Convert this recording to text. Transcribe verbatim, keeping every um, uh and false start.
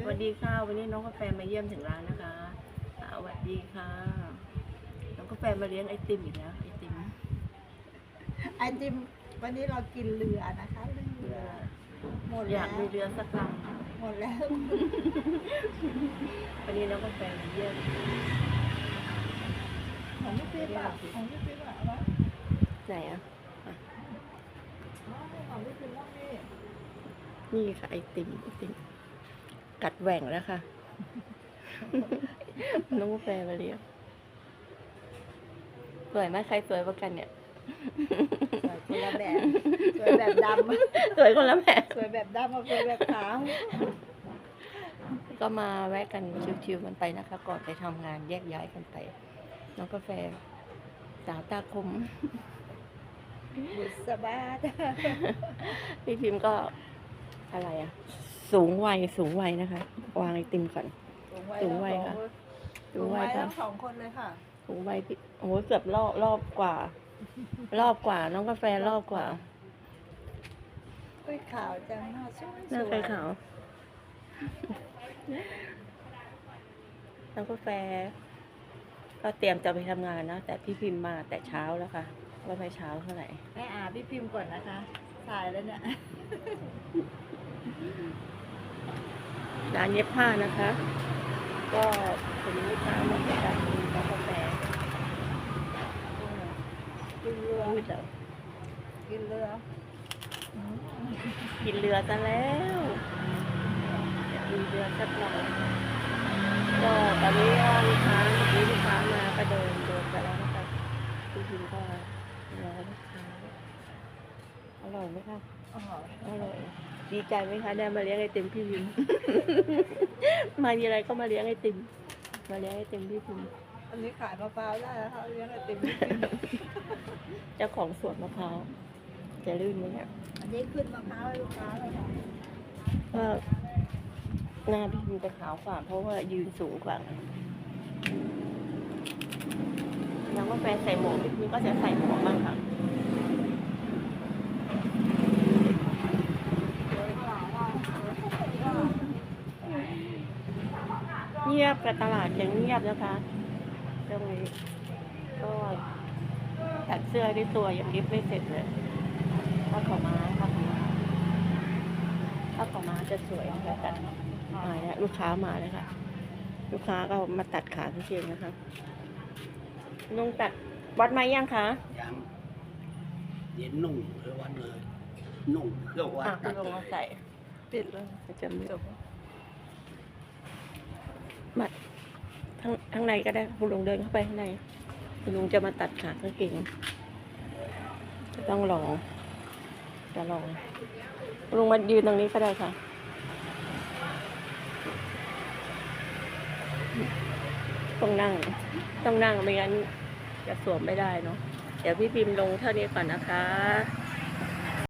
สวัสดีค่ะวันนี้น้องกาแฟมาเยี่ยมถึงร้านนะคะสวัสดีค่ะน้องกาแฟมาเลี้ยงไอติมอีกแล้วไอติมไอติมวันนี้เรากินเรือนะคะเรือหมดอแล้วยากมีเรือสักลหมดแล้วำวันนี้น้องกาแฟมาเยี่ยมของพี่ปิ๊บอะของพี่ปิ๊บอะวะไหนอ่ะของพี่ปิ๊บว่านี่นี่ค่ะไอติมไอติมกัดแหว่งแล้วค่ะ น้องกาแฟมาเลี้ยงสวยไหมใครสวยกว่ากันเนี่ยสวยคนละแบบสวยแบบดำสวยคนละแบบสวยแบบดำกับสวยแบบขาวก็มาแวะกันชิวๆกันไปนะคะ ก่อนไปทำงานแยกย้ายกันไปน้องกาแฟสาวตาคมบุษบาทพี่พิมพ์ก็อะไรอ่ะ สูงวัยสูงวัยนะคะ วางไอติมก่อน สูงวัยค่ะสูงวัยทั้งสองคนเลยค่ะสูงวัยพี่โอ้โหเกือบรอบรอบกว่า รอบกว่า น้องกาแฟรอบกว่าอุ้ยขาวจังหน้าสวยหน้าใครขาวน้องกาแฟ ก็เตรียมจะไปทำงานนะแต่พี่พิมพ์มาแต่เช้าแล้วค่ะว่าไม่เช้าเท่าไหร่แม่อาพี่พิมพ์ก่อนนะคะสายแล้วเนี่ยร้านเย็บผ้านะคะ ก็เป็นลูกค้ามาจากร้านกาแฟกินเรือพูดแล้วกินเรือกินเรือซะแล้วกินเรือสักหน่อยก็ตอนนี้ก็ลูกค้าเมื่อกี้ลูกค้ามาก็เดินเดินไปแล้วนะคะพี่พิมก็รอลูกค้าอร่อยไหมคะอ๋ออร่อยดีใจไหมคะได้มาเลี้ยงไอติมพี่พิม มามีอะไรก็มาเลี้ยงไอติมมาเลี้ยงไอติมพี่พิมอันนี้ขายมะพร้าวได้แล้วค่ะเลี้ยงไอติมพี่พิมพ์เจ้าของสวนมะพร้าวจะลื่นไหมเนี่ยอันนี้ขึ้นมะพร้าวให้ลูกค้าเลยค่ะก็หน้าพี่พิมจะขาวกว่าเพราะว่ายืนสูงกว่าน้องกาแฟใส่หมวกพี่พิมก็จะใส่หมวกบ้างค่ะเงียบกับตลาดยังเงียบนะคะตรงนี้ก็ตัดเสื้อด้วยตัวยังริบไม่เสร็จเลยถ้าขอมาถ้าขอมาถ้าขอมาจะสวยนะคะตัดมาแล้วลูกค้ามาแล้วค่ะ ลูกค้าก็มาตัดขาพี่เชียงนะคะนุ่งตัดวัดไหมยังคะยังเดี๋ยวนุ่งเพื่อวันเลย นุ่งเพื่อวันอ่ะตัพี่ดลงเลมาย ใส่ปิดเลยจะมีมาทั้งทั้งในก็ได้คุณลุงเดินเข้าไปข้างในคุณลุงจะมาตัดขากางเกงจะต้องลองจะลองคุณลุงมายืนตรงนี้ก็ได้ค่ะต้องนั่งต้องนั่งไม่งั้นจะสวมไม่ได้เนาะเดี๋ยวพี่พิมพ์ลงเท่านี้ก่อนนะคะ